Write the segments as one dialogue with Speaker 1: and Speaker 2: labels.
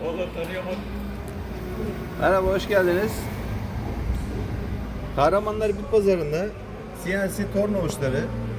Speaker 1: Valla tanıyamadım.
Speaker 2: Merhaba, hoş geldiniz. Kahramanlar Bit Pazarı'nda CNC torna uçları,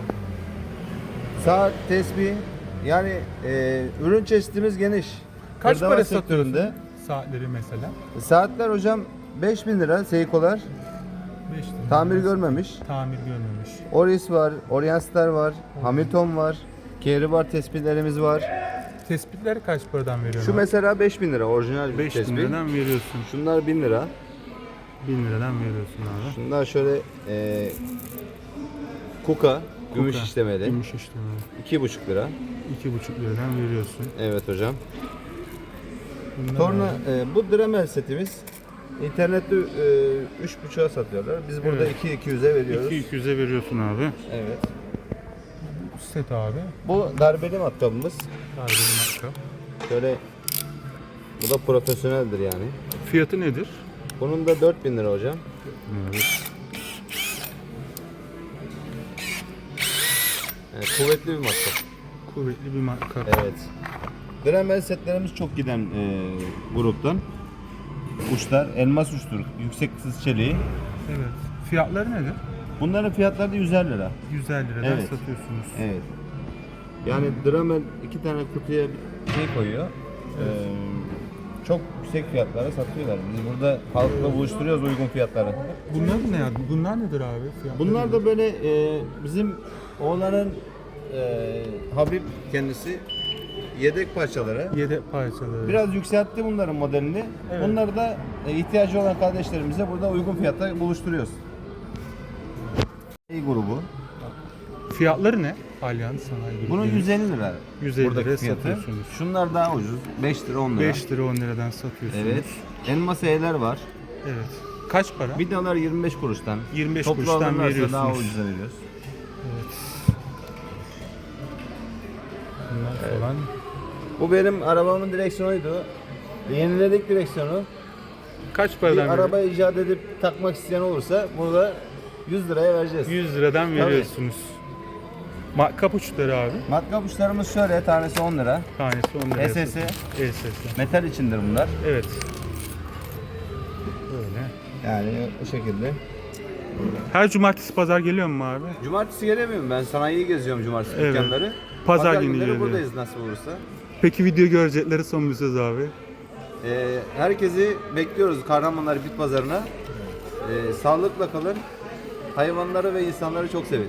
Speaker 2: saat, tesbih, yani ürün çeşitimiz geniş.
Speaker 3: Kaç
Speaker 2: Hırdavat
Speaker 3: para
Speaker 2: sektöründe.
Speaker 3: satıyorsun saatleri mesela?
Speaker 2: Saatler hocam 5.000 lira, Seiko'lar.
Speaker 3: 5 lira.
Speaker 2: Tamir görmemiş.
Speaker 3: Tamir görmemiş.
Speaker 2: Oris var, Orientstar var, Hamilton var, Kehribar tespihlerimiz var.
Speaker 3: Tespitleri kaç paradan veriyorsun?
Speaker 2: Şu mesela 5.000 lira orijinal bir
Speaker 3: 5 bin
Speaker 2: tespih.
Speaker 3: liradan veriyorsun.
Speaker 2: Şunlar 1000 lira.
Speaker 3: 1000 liradan veriyorsun abi.
Speaker 2: Şunlar şöyle Kuka, gümüş
Speaker 3: Kuka,
Speaker 2: işlemeli.
Speaker 3: Gümüş işlemeli.
Speaker 2: 2,5 lira.
Speaker 3: 2,5 liradan veriyorsun.
Speaker 2: Evet hocam.
Speaker 3: Bunlar
Speaker 2: Torna
Speaker 3: abi.
Speaker 2: bu Dremel setimiz. İnternette 3,5'a satıyorlar. Biz burada
Speaker 3: Evet.
Speaker 2: 2.200'e veriyoruz.
Speaker 3: 200'e veriyorsun abi.
Speaker 2: Evet.
Speaker 3: Set abi.
Speaker 2: Bu darbeli matkabımız.
Speaker 3: Darbeli matkap.
Speaker 2: Şöyle, bu da profesyoneldir yani.
Speaker 3: Fiyatı nedir?
Speaker 2: Bunun da 4.000 lira hocam.
Speaker 3: Evet.
Speaker 2: Yani kuvvetli bir matkap.
Speaker 3: Kuvvetli bir matkap.
Speaker 2: Evet. Dremel setlerimiz çok giden gruptan. Uçlar, elmas uçtur, yüksek sız çeliği.
Speaker 3: Evet. Fiyatları nedir?
Speaker 2: Bunların fiyatları da 150 lira.
Speaker 3: 150 liradan
Speaker 2: Evet.
Speaker 3: satıyorsunuz.
Speaker 2: Evet. Yani Dremel 2 tane kutuya bir şey koyuyor. Çok yüksek fiyatlara satıyorlar. Biz burada halkla buluşturuyoruz uygun fiyatlara.
Speaker 3: Bunlar ne abi? Bunlar nedir abi? Fiyatları
Speaker 2: Bunlar
Speaker 3: nedir?
Speaker 2: da böyle bizim oğlanın Habib kendisi yedek parçaları.
Speaker 3: Yedek parçaları.
Speaker 2: Biraz yükseltti bunların modelini.
Speaker 3: Evet.
Speaker 2: Bunları da ihtiyacı olan kardeşlerimize burada uygun fiyatta buluşturuyoruz. İyi grubu.
Speaker 3: Fiyatları ne? Allianz Sanayi Grubu.
Speaker 2: Bunun 150 lira.
Speaker 3: 150
Speaker 2: buradaki
Speaker 3: liraya
Speaker 2: fiyatı.
Speaker 3: satıyorsunuz.
Speaker 2: Şunlar daha ucuz. 5 lira 10 lira.
Speaker 3: 5 lira 10 liradan satıyorsunuz.
Speaker 2: Evet. Elmas E'ler var.
Speaker 3: Evet. Kaç para?
Speaker 2: Vidalar 25 kuruştan.
Speaker 3: 25
Speaker 2: Toplu
Speaker 3: kuruştan
Speaker 2: alırlarsa
Speaker 3: veriyorsunuz.
Speaker 2: daha ucuza veriyoruz.
Speaker 3: Bunlar falan.
Speaker 2: Bu benim arabamın direksiyonuydu. Yeniledik direksiyonu.
Speaker 3: Kaç
Speaker 2: Bir
Speaker 3: paradan
Speaker 2: araba icat edip takmak isteyen olursa burada 100 liraya vereceğiz.
Speaker 3: 100 liradan
Speaker 2: Tabii.
Speaker 3: veriyorsunuz. Matkap uçları abi.
Speaker 2: Matkap uçlarımız şöyle, tanesi 10 lira.
Speaker 3: Tanesi 10 liraya
Speaker 2: SS.
Speaker 3: satıyorsunuz. SS.
Speaker 2: Metal içindir bunlar.
Speaker 3: Evet. Böyle.
Speaker 2: Yani bu şekilde.
Speaker 3: Her cumartesi pazar geliyor mu abi?
Speaker 2: Cumartesi gelemiyorum ben. Sanayiyi geziyorum cumartesi
Speaker 3: Evet.
Speaker 2: dükkanları.
Speaker 3: Pazar günü
Speaker 2: günleri
Speaker 3: geliyor.
Speaker 2: buradayız nasıl olursa.
Speaker 3: Peki video görecekleri son bir söz abi.
Speaker 2: Herkesi bekliyoruz Kahramanlar Bit Pazarı'na. Sağlıkla kalın. Hayvanları ve insanları çok sevin.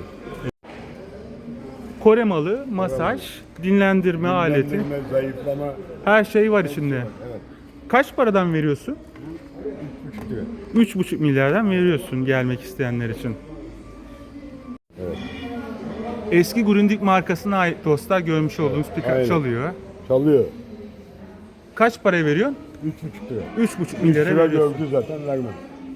Speaker 3: Kore malı, masaj, dinlendirme aleti.
Speaker 4: Dinlendirme, zayıflama.
Speaker 3: Her şey var içinde.
Speaker 4: Evet.
Speaker 3: Kaç paradan veriyorsun?
Speaker 4: 3,5 lira.
Speaker 3: 3,5 milyardan veriyorsun gelmek isteyenler için.
Speaker 4: Evet.
Speaker 3: Eski Grundig markasına ait dostlar görmüş olduğunuz pick-up
Speaker 4: Aynen.
Speaker 3: çalıyor.
Speaker 4: Çalıyor.
Speaker 3: Kaç paraya veriyorsun?
Speaker 4: 3,5 lira.
Speaker 3: 3,5
Speaker 4: 3
Speaker 3: milyara
Speaker 4: lira
Speaker 3: veriyorsun.
Speaker 4: gördü zaten vermem.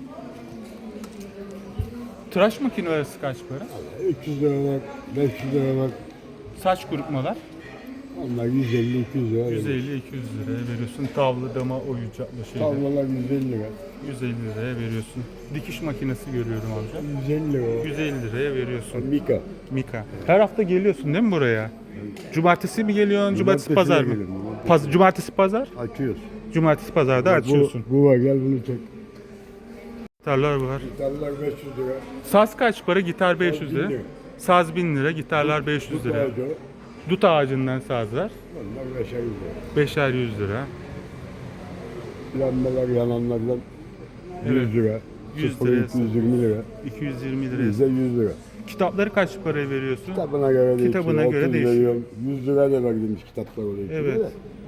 Speaker 3: Tıraş makinesi kaç para?
Speaker 4: 300 lira var, 500 lira var.
Speaker 3: Saç kurutmalar
Speaker 4: Onlar 150-200 lira.
Speaker 3: 150-200 liraya veriyorsun. Tavlı dama oyuncaklı şeyler.
Speaker 4: Tavlalar 150 lira.
Speaker 3: 150 liraya veriyorsun. Dikiş makinesi görüyorum amca.
Speaker 4: 150 lira.
Speaker 3: 150 liraya veriyorsun.
Speaker 4: Mika.
Speaker 3: Mika. Her hafta geliyorsun değil mi buraya? Cumartesi mi geliyorsun? Cumartesi
Speaker 4: Cumartesi
Speaker 3: pazar mı?
Speaker 4: gelirim, cumartesi.
Speaker 3: Cumartesi pazar?
Speaker 4: Açıyoruz.
Speaker 3: Cumartesi pazarda açıyorsun.
Speaker 4: Bu var, gel bunu çek.
Speaker 3: Gitarlar var.
Speaker 4: Gitarlar 500 lira.
Speaker 3: Saz kaç para? Gitar 500 lira.
Speaker 4: 1000 lira.
Speaker 3: Saz 1000 lira, gitarlar 500 lira.
Speaker 4: Ağacı,
Speaker 3: Dut ağacından sazlar
Speaker 4: onlar 500 lira.
Speaker 3: 5'er 100 lira.
Speaker 4: Lambalar yananlardan 100
Speaker 3: Evet.
Speaker 4: lira.
Speaker 3: 100
Speaker 4: Sıfır
Speaker 3: liraya
Speaker 4: 220 lira.
Speaker 3: 220 liraya.
Speaker 4: Bize 100 lira.
Speaker 3: Kitapları kaç paraya veriyorsun?
Speaker 4: Kitabına göre değişiyor.
Speaker 3: Kitabına göre
Speaker 4: 30
Speaker 3: değişiyor.
Speaker 4: veriyorum. 100 lira da verdiğimiz kitaplar oluyor.
Speaker 3: Evet.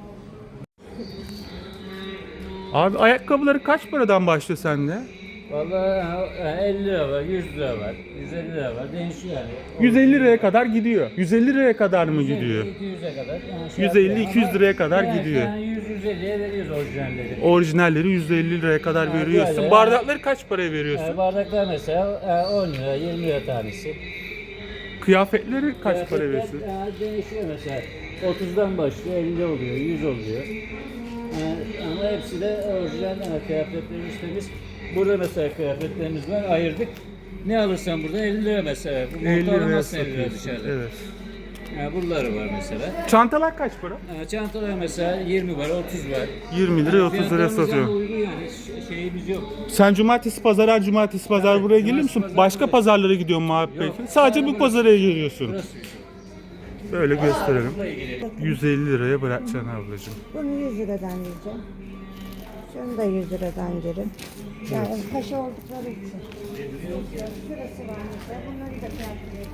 Speaker 3: Abi ayakkabıları kaç paradan başlıyor sende?
Speaker 5: Vallahi 50 lira var, 100 lira var, 150 lira var. Değişiyor yani.
Speaker 3: 150 liraya kadar gidiyor. 150 liraya kadar mı gidiyor?
Speaker 5: 200'e kadar. Yani
Speaker 3: 150-200 liraya kadar gidiyor.
Speaker 5: Yani 100-150'ye veriyoruz orijinalleri.
Speaker 3: Orijinalleri 150 liraya kadar
Speaker 5: Ha,
Speaker 3: veriyorsun.
Speaker 5: böyle.
Speaker 3: Bardakları kaç paraya veriyorsun?
Speaker 5: Bardaklar mesela 10 lira, 20 lira tanesi.
Speaker 3: Kıyafetleri kaç para
Speaker 5: Kıyafetler,
Speaker 3: veriyorsun?
Speaker 5: Değişiyor mesela. 30'dan başlıyor, 50 oluyor, 100 oluyor. Ama hepsi de orijinal kıyafetlerimiz temiz. Burada mesela kıyafetlerimiz var, ayırdık. Ne alırsan burada 50 lira mesela. Bu
Speaker 3: 50
Speaker 5: montu
Speaker 3: liraya
Speaker 5: alamazsın 50 lira
Speaker 3: satıyorsun.
Speaker 5: dışarıda.
Speaker 3: Evet.
Speaker 5: Buraları var mesela.
Speaker 3: Çantalar kaç para?
Speaker 5: Çantalar mesela 20 var, 30 var.
Speaker 3: 20 liraya 30 liraya
Speaker 5: Fiyatlarımız yani
Speaker 3: satıyor.
Speaker 5: uygun yani. Şeyimiz yok.
Speaker 3: Sen cumartesi pazar, her cumartesi pazar
Speaker 5: Evet,
Speaker 3: buraya geliyor
Speaker 5: cumartesi
Speaker 3: musun?
Speaker 5: pazar
Speaker 3: Başka
Speaker 5: buradayım.
Speaker 3: pazarlara gidiyor mu abi
Speaker 5: Yok,
Speaker 3: peki? Sadece bu
Speaker 5: burası.
Speaker 3: pazara geliyorsun.
Speaker 5: Burası.
Speaker 3: Böyle gösterelim.
Speaker 5: Buraya girelim.
Speaker 3: 150 liraya bırakacaksın ablacığım.
Speaker 1: Bunu 100 liradan yiyeceğim. Şunu da 100 liradan yerim. Yani paşa oldukları için. Şurası var mesela. Bunları da fiyatlayabilirim.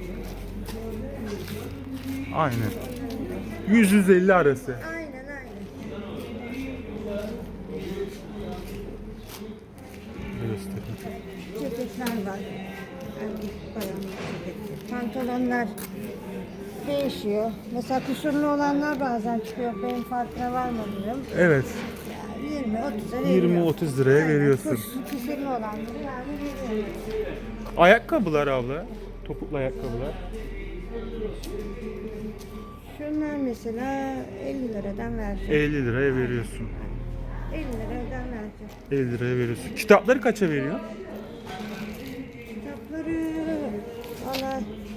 Speaker 3: Aynen. 100-150 arası.
Speaker 1: Aynen aynen.
Speaker 3: Göstereyim.
Speaker 1: Ceketler var. Erkek bayanlar ceketi. Pantolonlar değişiyor. Mesela kusurlu olanlar bazen çıkıyor. Benim farkına varmadım.
Speaker 3: Evet.
Speaker 1: 20-30 lira
Speaker 3: 20-30 liraya veriyorsun.
Speaker 1: Kusurlu olanları yani veriyorum.
Speaker 3: Ayakkabılar abla. Topuklu ayakkabılar.
Speaker 1: Şunlar mesela 50 liradan vereceğim.
Speaker 3: 50 liraya veriyorsun.
Speaker 1: 50 liradan vereceğim.
Speaker 3: 50 liraya veriyorsun. Kitapları kaça veriyor?
Speaker 1: Kitapları valla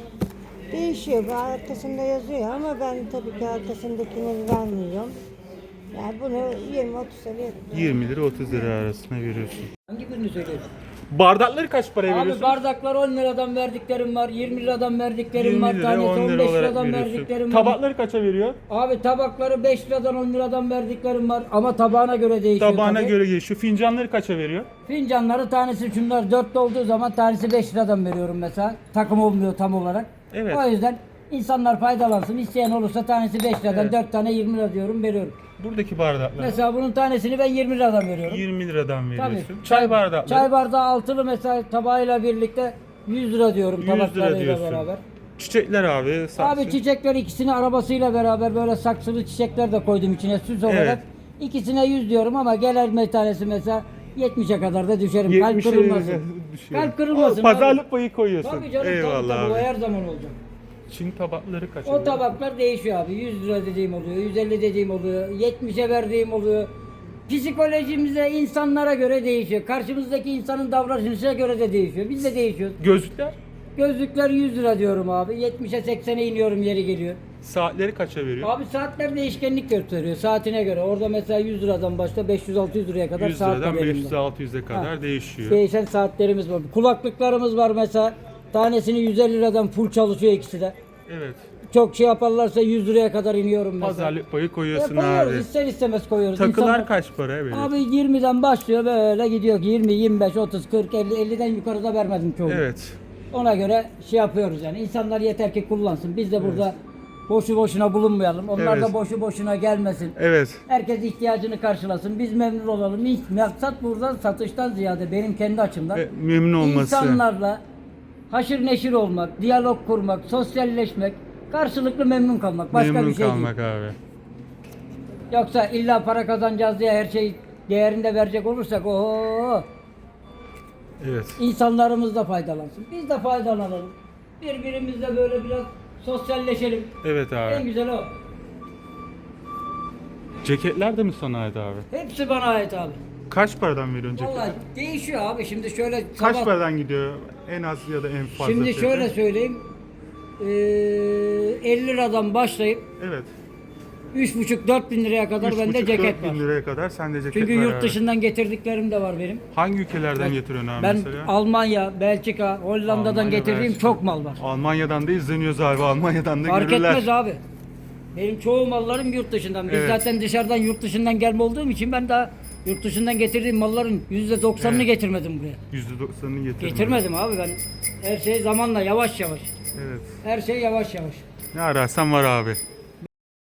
Speaker 1: değişiyor. Bu arkasında yazıyor ama ben tabii ki arkasındakini vermiyorum. Yani bunu 20-30 liraya
Speaker 3: 20 lira 30 lira arasına veriyorsun.
Speaker 5: Hangi birini söyleyeyim?
Speaker 3: Bardakları kaç paraya
Speaker 5: Abi
Speaker 3: veriyorsun?
Speaker 5: bardaklar 10 liradan verdiklerim var, 20 liradan verdiklerim
Speaker 3: 20
Speaker 5: var,
Speaker 3: lira
Speaker 5: tanesi
Speaker 3: 10 lira
Speaker 5: 15
Speaker 3: olarak
Speaker 5: liradan
Speaker 3: veriyorsun.
Speaker 5: verdiklerim var.
Speaker 3: Tabakları kaça veriyor?
Speaker 5: Abi tabakları 5 liradan 10 liradan verdiklerim var ama tabağına göre değişiyor.
Speaker 3: Tabağına
Speaker 5: tabii.
Speaker 3: göre değişiyor. Fincanları kaça veriyor?
Speaker 5: Fincanları tanesi şunlar 4 olduğu zaman tanesi 5 liradan veriyorum mesela. Takım olmuyor tam olarak.
Speaker 3: Evet.
Speaker 5: O yüzden insanlar faydalansın. İsteyen olursa tanesi 5 liradan
Speaker 3: Evet.
Speaker 5: 4 tane 20 lira diyorum veriyorum.
Speaker 3: Buradaki bardaklar
Speaker 5: Mesela bunun tanesini ben 20 liradan veriyorum.
Speaker 3: 20 liradan veriyorsun.
Speaker 5: Tabii.
Speaker 3: Çay bardakları
Speaker 5: Çay bardağı altılı mesela tabağıyla birlikte 100 lira diyorum
Speaker 3: 100 lira
Speaker 5: tabaklarıyla
Speaker 3: diyorsun.
Speaker 5: beraber.
Speaker 3: Çiçekler abi. saksı.
Speaker 5: Abi çiçekler ikisini arabasıyla beraber böyle saksılı çiçekler de koydum içine süs olarak.
Speaker 3: Evet.
Speaker 5: İkisine 100 diyorum ama gelen bir tanesi mesela 70'e kadar da düşerim. Kalp
Speaker 3: 70'e
Speaker 5: kırılmasın.
Speaker 3: düşüyor.
Speaker 5: Kalp kırılmasın.
Speaker 3: Pazarlık payı koyuyorsun.
Speaker 5: Tabii canım
Speaker 3: Eyvallah
Speaker 5: tabii, o
Speaker 3: abi.
Speaker 5: her zaman olacak.
Speaker 3: Çin tabakları kaça
Speaker 5: O
Speaker 3: veriyor?
Speaker 5: tabaklar değişiyor abi. 100 lira dediğim oluyor, 150 dediğim oluyor, 70'e verdiğim oluyor. Psikolojimize, insanlara göre değişiyor. Karşımızdaki insanın davranışına göre de değişiyor. Biz de değişiyoruz.
Speaker 3: Gözlükler?
Speaker 5: Gözlükler 100 lira diyorum abi. 70'e 80'e iniyorum yeri geliyor.
Speaker 3: Saatleri kaça veriyor?
Speaker 5: Abi saatler değişkenlik gösteriyor saatine göre. Orada mesela 100 liradan başla 500-600 liraya kadar
Speaker 3: 100
Speaker 5: saat
Speaker 3: liradan
Speaker 5: var elimde.
Speaker 3: 500-600'e kadar
Speaker 5: Ha.
Speaker 3: değişiyor.
Speaker 5: Değişen saatlerimiz var. Kulaklıklarımız var mesela. Tanesini 150 liradan full çalışıyor ikisi de.
Speaker 3: Evet.
Speaker 5: Çok şey yaparlarsa 100 liraya kadar iniyorum mesela.
Speaker 3: Pazarlık payı koyuyorsun
Speaker 5: Koyuyoruz,
Speaker 3: abi.
Speaker 5: ister istemez koyuyoruz.
Speaker 3: Takılar
Speaker 5: İnsanlar-
Speaker 3: kaç para veriyor?
Speaker 5: Abi 20'den başlıyor böyle gidiyor. 20, 25, 30, 40, 50, 50'den yukarıda vermedim çoğunu.
Speaker 3: Evet.
Speaker 5: Ona göre şey yapıyoruz yani. İnsanlar yeter ki kullansın. Biz de burada boşu boşuna bulunmayalım. Onlar
Speaker 3: Evet.
Speaker 5: da boşu boşuna gelmesin.
Speaker 3: Evet.
Speaker 5: Herkes ihtiyacını karşılasın. Biz memnun olalım. Maksat burada satıştan ziyade benim kendi açımdan
Speaker 3: Ve memnun olması.
Speaker 5: insanlarla haşır neşir olmak, diyalog kurmak, sosyalleşmek, karşılıklı memnun kalmak. Başka
Speaker 3: memnun
Speaker 5: bir şey
Speaker 3: kalmak
Speaker 5: değil.
Speaker 3: abi.
Speaker 5: Yoksa illa para kazanacağız diye her şey değerinde verecek olursak oho,
Speaker 3: Evet.
Speaker 5: insanlarımız da faydalansın. Biz de faydalanalım. Birbirimizle böyle biraz sosyalleşelim.
Speaker 3: Evet
Speaker 5: En
Speaker 3: abi.
Speaker 5: güzel o.
Speaker 3: Ceketler de mi sana ait abi?
Speaker 5: Hepsi bana ait abi.
Speaker 3: Kaç paradan veriyorsun
Speaker 5: Vallahi
Speaker 3: ceketi?
Speaker 5: değişiyor abi. Şimdi şöyle
Speaker 3: Kaç
Speaker 5: sabah-
Speaker 3: paradan gidiyor en az ya da en fazla?
Speaker 5: Şimdi
Speaker 3: fiyatı?
Speaker 5: şöyle söyleyeyim. 50 liradan başlayıp
Speaker 3: Evet.
Speaker 5: 3,5-4 bin liraya kadar bende
Speaker 3: 3,5-4
Speaker 5: ceket var.
Speaker 3: bin liraya kadar sende ceket
Speaker 5: Çünkü
Speaker 3: var
Speaker 5: yurt
Speaker 3: abi.
Speaker 5: dışından getirdiklerim de var benim.
Speaker 3: Hangi ülkelerden getiriyorsun abi
Speaker 5: Ben
Speaker 3: mesela?
Speaker 5: Almanya, Belçika, Hollanda'dan
Speaker 3: Almanya,
Speaker 5: getirdiğim
Speaker 3: Belçika.
Speaker 5: çok mal var.
Speaker 3: Almanya'dan da izleniyoruz abi. Almanya'dan da
Speaker 5: Fark
Speaker 3: görürler.
Speaker 5: etmez abi. Benim çoğu mallarım yurt dışından. Biz
Speaker 3: Evet.
Speaker 5: zaten dışarıdan yurt dışından gelme olduğum için ben daha yurt dışından getirdiğim malların %90'ını
Speaker 3: Evet.
Speaker 5: getirmedim buraya.
Speaker 3: %90'ını getirdim.
Speaker 5: Getirmedim abi ben. Her şey zamanla yavaş yavaş.
Speaker 3: Evet.
Speaker 5: Her şey yavaş yavaş.
Speaker 3: Ne ararsan var abi.